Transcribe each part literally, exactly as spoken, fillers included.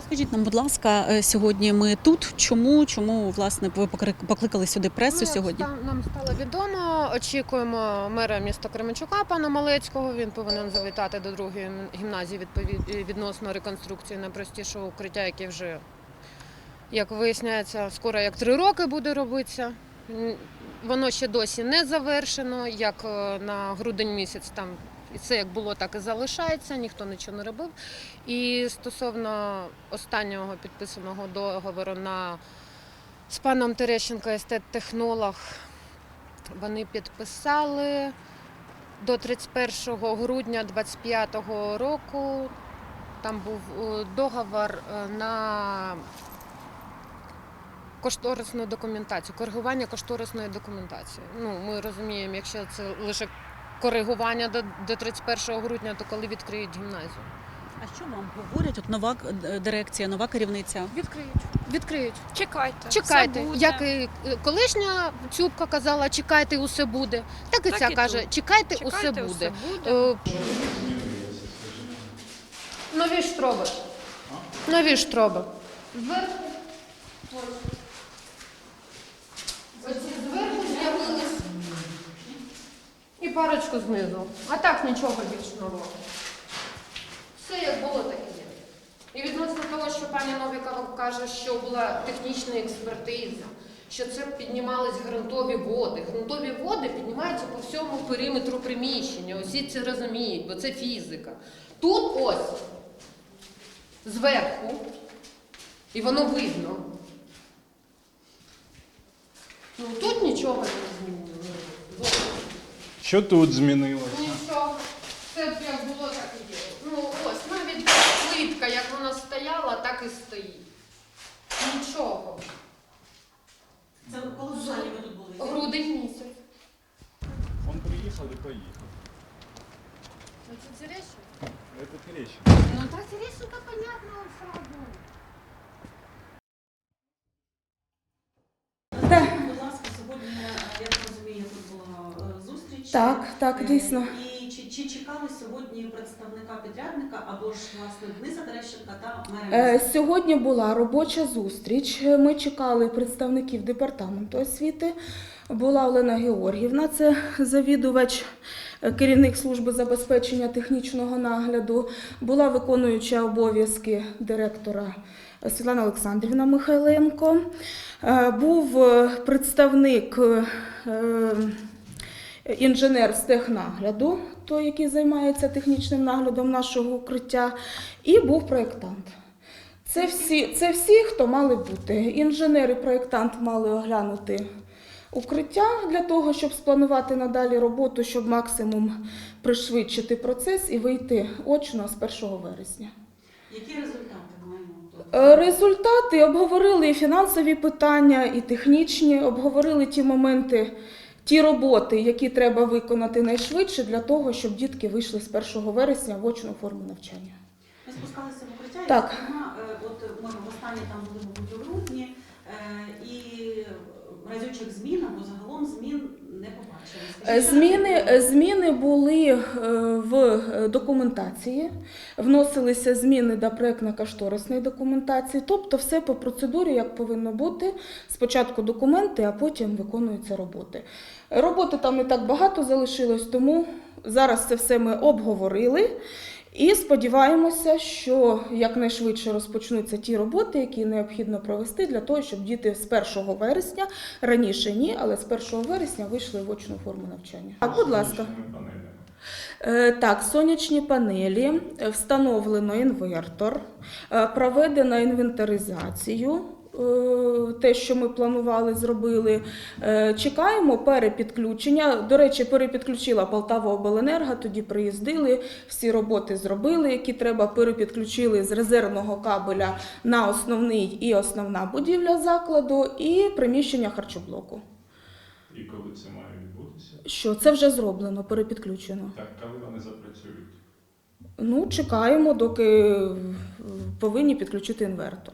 Розкажіть нам, будь ласка, сьогодні ми тут. Чому? Чому, власне, ви покликали сюди пресу Ну, сьогодні? ста- Нам стало відомо. Очікуємо мера міста Кременчука, пана Малецького. Він повинен завітати до другої гімназії відповід- відносно реконструкції найпростішого укриття, яке вже, як виясняється, скоро як три роки буде робитися. М, Воно ще досі не завершено, як е, на грудень місяць там і це як було, так і залишається, ніхто нічого не робив. І стосовно останнього підписаного договору на з паном Терещенко, естет-технолог, вони підписали до тридцять першого грудня двадцять п'ятого року. Там був е, договор е, на кошторисну документацію, коригування кошторисної документації. Ну, ми розуміємо, якщо це лише коригування до, до тридцять першого грудня, то коли відкриють гімназію? А що вам говорять? От нова дирекція, нова керівниця? Відкриють. Відкриють. Чекайте. Чекайте. Все буде. Як і колишня Цюбка казала, чекайте, усе буде. Так і Так ця і каже, тут. чекайте, Чекайте, усе усе буде. буде. Е, Нові штроби. Нові штроби. Зверху. Оці зверху з'явились. І парочку знизу. А так нічого більш нового. Все як було, так і є. І відносно того, що пані Новікова каже, що була технічна експертиза, що це піднімались ґрунтові води. Ґрунтові води піднімаються по всьому периметру приміщення. Усі це розуміють, бо це фізика. Тут ось, зверху, і воно видно. Ну тут нічого не змінилося. Що тут змінилося? Нічого. Це як було, так і є. Ну ось, навіть плитка, як вона стояла, так і стоїть. Нічого. Це коли взагалі ви тут були? Грудень місяць. Он приїхав і поїхав. Ну це Терещенко? Це Терещенко. Ну так Терещенко, понятно, он сразу. Так. Будь ласка, сьогодні, я так розумію, тут була е, зустріч. Так, так, Е, дійсно. І чи, чи чекали сьогодні представника підрядника або ж, власне, Дениса Терещенка та мера Е, міста? Сьогодні була робоча зустріч. Ми чекали представників департаменту освіти. Була Олена Георгіївна, це завідувач, е, керівник служби забезпечення технічного нагляду. Була виконуюча обов'язки директора Світлана Олександрівна Михайленко. Е, Був е, представник е, інженер з технагляду, той, який займається технічним наглядом нашого укриття, і був проєктант. Це всі, це всі, хто мали бути. Інженер і проєктант мали оглянути укриття для того, щоб спланувати надалі роботу, щоб максимум пришвидшити процес і вийти очно з першого вересня. Які результати маємо? Е, Результати обговорили і фінансові питання, і технічні, обговорили ті моменти, ті роботи, які треба виконати найшвидше для того, щоб дітки вийшли з першого вересня в очну форму навчання. Ми спускалися в укриття, Так. і, зокрема, е, от ми востаннє там були, мабуть, у грудні, е, і разючих змін або загалом змін не побачили. Е, Скажіть, що Зміни, таке? зміни були е, в документації, вносилися зміни до проєктно-кошторисної документації, тобто все по процедурі, як повинно бути. Спочатку документи, а потім виконуються роботи. Роботи там не так багато залишилось, тому зараз це все ми обговорили. І сподіваємося, що якнайшвидше розпочнуться ті роботи, які необхідно провести для того, щоб діти з першого вересня, раніше ні, але з першого вересня вийшли в очну форму навчання. Так, будь ласка. Сонячними панелями. Е, Так, сонячні панелі, е, встановлено інвертор, е, проведено інвентаризацію, е, те, що ми планували, зробили. Е, Чекаємо перепідключення. До речі, перепідключила Полтаваобленерго, тоді приїздили, всі роботи зробили, які треба, перепідключили з резервного кабеля на основний і основна будівля закладу, і приміщення харчоблоку. І коли це має відбутися? Що, це вже зроблено, перепідключено. Так, коли вони запрацюють? Ну, чекаємо, доки повинні підключити інвертор.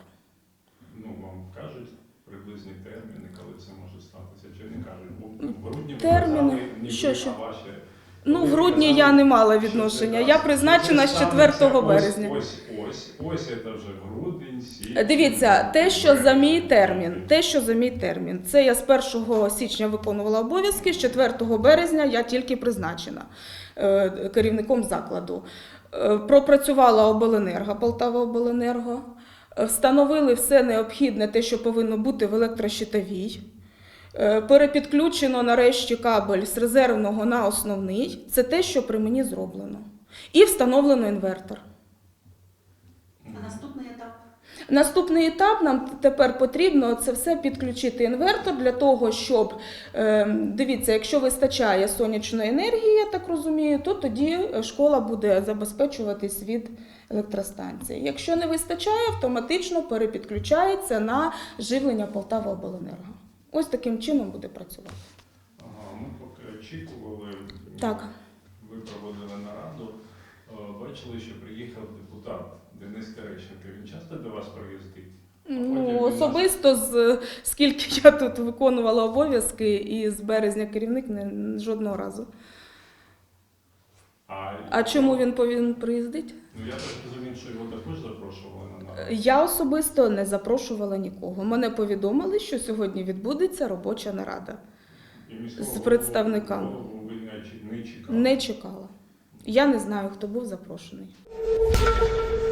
Ну, вам кажуть приблизні терміни, коли це може статися, чи не кажуть? Бо в грудні ви Терміни? казали, ніби, Що, що? а ваші... Ну, в ви грудні казали, я не мала що відношення. це Я так, призначена що з це четвертого станеться березня. Ось, ось, ось, ось це вже грудень, січень. Дивіться, те, що за мій термін, те, що за мій термін, це я з першого січня виконувала обов'язки, з четвертого березня я тільки призначена е, керівником закладу. Е, Пропрацювала обленерго, Полтава обленерго, е, встановили все необхідне, те, що повинно бути в електрощитовій. Е, Перепідключено нарешті кабель з резервного на основний. Це те, що при мені зроблено. І встановлено інвертор. А наступний етап? Наступний етап нам тепер потрібно це все підключити інвертор для того, щоб, е, дивіться, якщо вистачає сонячної енергії, я так розумію, то тоді школа буде забезпечуватись від електростанції. Якщо не вистачає, автоматично перепідключається на живлення Полтава обленерго. Ось таким чином буде працювати. Ага, ми поки очікували, Так. ви проводили нараду, е, бачили, що приїхав депутат Денис Терещенко. Він часто до вас приїздить? Ну, особисто, з, скільки я тут виконувала обов'язки, і з березня керівник не, жодного разу. А, А чому він повинен приїздити? Ну, я так розумію, що його також запрошували на нараду. Я особисто не запрошувала нікого. Мене повідомили, що сьогодні відбудеться робоча нарада. І міського з представниками. голову ви не чи- не чекали? Не чекала. Я не знаю, хто був запрошений.